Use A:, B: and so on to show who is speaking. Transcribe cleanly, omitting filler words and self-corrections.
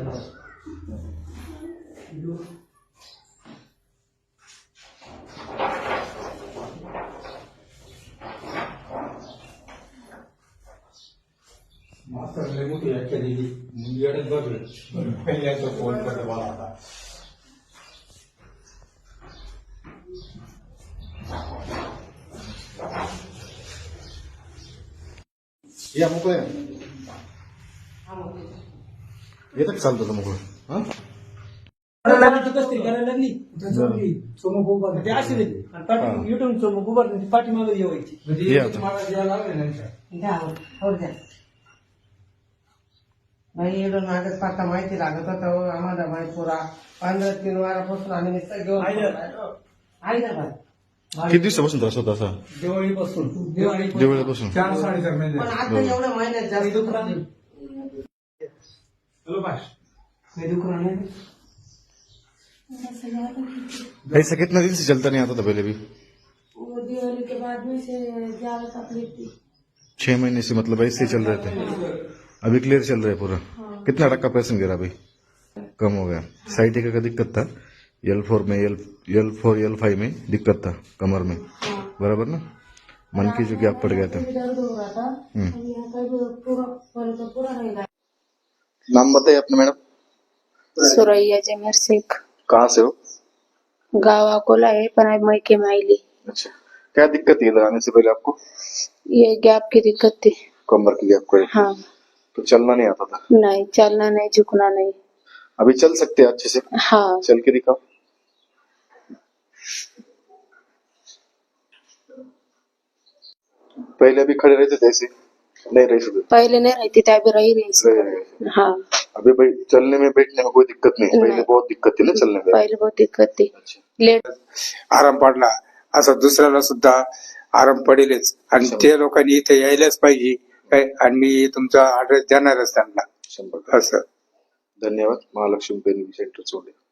A: Master ने मुझे याद दिली मुझे याद बदल पहले तो फोन करने वाला था
B: या मोकळे येतं चालतं मोकळं हा
C: लागली सोमोबा ते अशी युट्यूब सोमोबा पाठीमागे येवायची
A: मला द्यायला लागले नाही
D: भाई एवढं मागच पाहता माहिती लागत होतं आम्हाला माहिती पुरा 15-3 वारापासून आम्ही नुसतं घेऊन
B: किती दिवसापासून त्रास होता असा
C: दिवाळीपासून
B: दिवाळीपासून
A: 4-4.5 महिने
D: पण आता एवढं महिन्यात जास्त
A: चलो बाय
B: ऐसा कितना दिन से चलता नहीं आता था पहले भी
E: वो दिवाली के बाद में से ज्यादा तकलीफ थी
B: 6 महीने से मतलब ऐसे ही चल रहे थे अभी क्लियर चल रहा है पूरा कितना टक्का पेशेंट गिरा अभी कम हो गया साइटिका का दिक्कत था L4 में L4 L5 में दिक्कत था कमर में बराबर ना मन की जो गैप पड़ गया था
E: दर्द हो रहा था यहाँ का पूरा रहेगा।
B: नाम बताइए अपने मैडम
F: सुरैया जमीर शेख
B: कहाँ से हो
F: गाँव अकोला है पर अब मैके में आईली।
B: अच्छा क्या दिक्कत थी लगाने से पहले आपको
F: ये गैप की दिक्कत थी
B: कमर की गैप को
F: हाँ
B: तो चलना नहीं आता था
F: नहीं चलना नहीं झुकना नहीं
B: अभी चल सकते हैं अच्छे से
F: हाँ
B: चल के दिखाओ पहले अभी खड़े रहते थे ऐसे नहीं रह सकते
F: पहले नहीं रहती थी अभी रही रही हाँ
B: अभी भाई चलने में बैठने में कोई दिक्कत नहीं पहले बहुत दिक्कत थी ना चलने में
F: पहले बहुत दिक्कत थी लेट
G: आराम पडला असं दुसऱ्याला सुद्धा आराम पडेलच आणि ते लोकांनी इथे यायलाच पाहिजे काय आणि मी तुमचा ऍड्रेस देणारच त्यांना
B: 100%
G: असं
B: धन्यवाद महालक्ष्मी पेन सेंटर सोडले